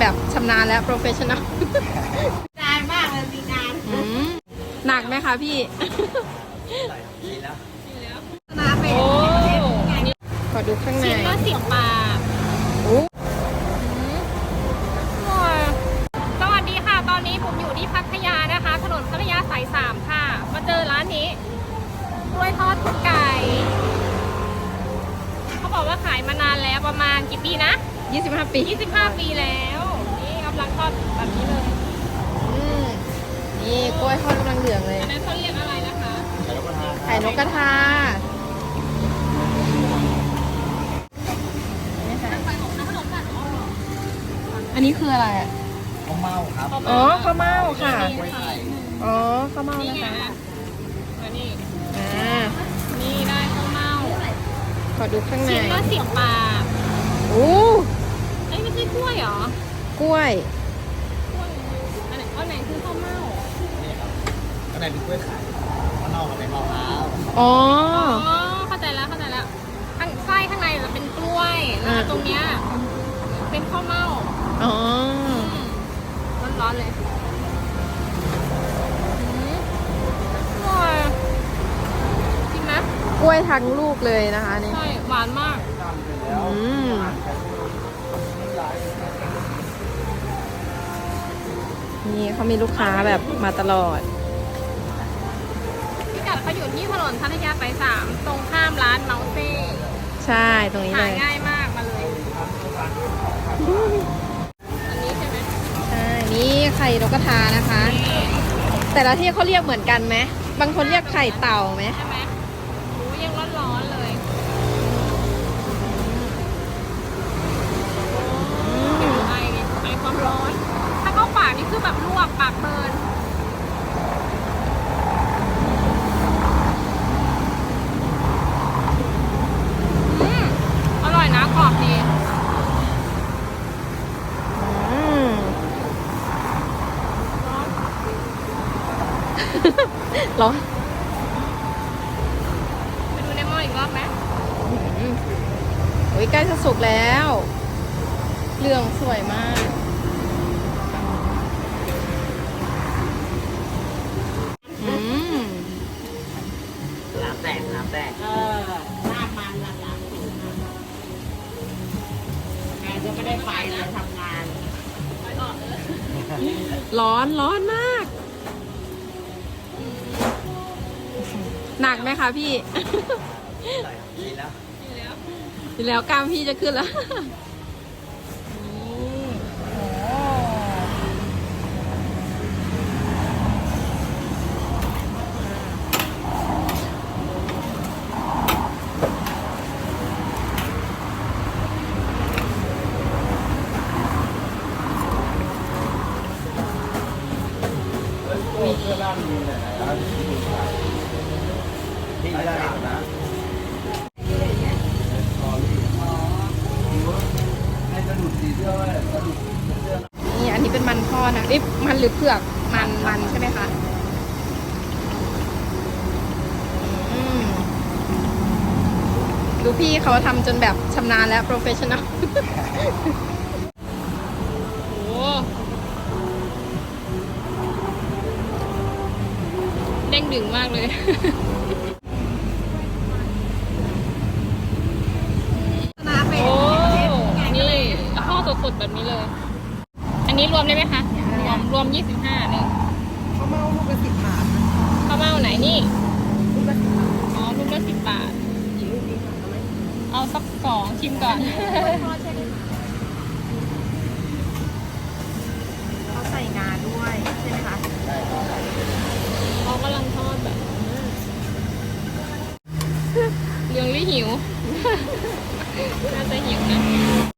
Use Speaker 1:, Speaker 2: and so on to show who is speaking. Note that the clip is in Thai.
Speaker 1: แบบชำนาญและโปรเฟชชั่นอล
Speaker 2: นานมากเลยมีนาน
Speaker 1: หนักไหมคะพี่
Speaker 3: กินแล้ว
Speaker 2: นาเป็น
Speaker 1: โอ้ขอดูข้างใน
Speaker 2: ชิ้นละ10 บาท
Speaker 1: โอ้
Speaker 2: สวัสดีค่ะ ตอนนี้ผมอยู่ที่พัทยานะคะ ถนนพัทยาสาย3ค่ะ มาเจอร้านนี้กล้วยทอดคุณไก่ เขาบอกว่าขายมานานแล้วประมาณกี่ปีนะ
Speaker 1: 25 ปี
Speaker 2: 25 ปีแล้ว นี่กำลังทอดแบบนี้เลย
Speaker 1: นี่กล้วยทอดกำลังเหลืองเลย
Speaker 2: อันนั้นเขาเรียกอะไรนะคะ
Speaker 1: ไข่นกกระทา อันนี้คืออะไรอ่ะ
Speaker 3: ข้าวเม่าครับ
Speaker 1: อ๋อข้าวเม่าค่ะ
Speaker 3: กล้วยไข่
Speaker 1: อ๋อข้าวเม่า
Speaker 2: นี่
Speaker 1: นะ
Speaker 2: ไง
Speaker 1: คะ
Speaker 2: อ่ะมานี่
Speaker 1: นี่
Speaker 2: ได้ข้าวเม่า
Speaker 1: ขอดูข้างใน
Speaker 2: ชิ้นละ10 บาท
Speaker 1: โอ้
Speaker 2: เอ้ยไม่ใช่กล้วยเหรอก
Speaker 1: ล้วย
Speaker 2: กล้วยอันไหนคือข้าวเม่า
Speaker 3: นี่ครับข้างในเป็นกล้วยไข่ข้างนอกเป็นมะพร้าว
Speaker 1: อ๋อ
Speaker 2: อ๋อเข้าใจแล้วข้างไส้ข้างในจะเป็นกล้วยแล้วตรงเนี้ยเป็นข้าวเม่า
Speaker 1: อ๋อ
Speaker 2: ร้อนๆเลยอร่อยจริงไหม
Speaker 1: กล้วยทั้งลูกเลยนะคะนี่
Speaker 2: ใช่หวานมาก
Speaker 1: อืมนี่เขามีลูกค้าแบบมาตลอด
Speaker 2: พิกัดเขาอยู่ที่ถนนพัทยาสาย3ตรงข้ามร้านเมาเซ่
Speaker 1: ใช่ตรงนี้
Speaker 2: หา
Speaker 1: เลย
Speaker 2: ง่ายมากมาเลยอันนี้ใช่ไหม
Speaker 1: ใช่ นี่ไข่นกกระทานะคะ
Speaker 2: นี่
Speaker 1: แต่ละที่เขาเรียกเหมือนกันไหม บางคนเรียกไข่เต่าไหม
Speaker 2: ใช่ไหมหมูยังร้อนๆเลยไอความร้อน ถ้าเข้าปากนี่คือแบบลวกปากเบิร์นอร่อยนะกรอบดี
Speaker 1: อืม ร้อน
Speaker 2: ไปดูในหม้ออีกรอบไหม
Speaker 1: โอ้ยใกล้จะสุกแล้ว เหลืองสวยมาก อืม
Speaker 3: น้ำแตกน้ำแตก
Speaker 2: หน้ามันหลังๆงานจะไม่ได้ไปเลยทำงาน
Speaker 1: ร้อนร้อนมาก หนักไหมคะพี่
Speaker 3: กินแล้ว
Speaker 1: อยู่แล้วกล้ามพี่จะขึ้นแล้ว
Speaker 3: ที่ได้นะ
Speaker 1: นี่อันนี้เป็นมันทอดนะเอ๊ะมันหรือเผือกมันใช่ไหมคะอืมดูพี่เขาทำจนแบบชำนาญและโปรเฟชชั่นอล
Speaker 2: โอ้เด้งดึงมากเลย
Speaker 1: นาเป็น
Speaker 2: โอ้ นี่ข้าวสดๆแบบนี้เลย อันนี้รวมได้ไหมคะ รวม25นึง
Speaker 1: ข้าวเม่าลูกละ10 บาท
Speaker 2: ข้าวเม่าไหนนี่
Speaker 1: ลูกละ10 บาท
Speaker 2: อ๋อลูกละ10 บาท
Speaker 1: กี่ลูกดีคะเอาไหม
Speaker 2: เอาสัก2ชิมก่อน
Speaker 1: ทอดใช่ไหม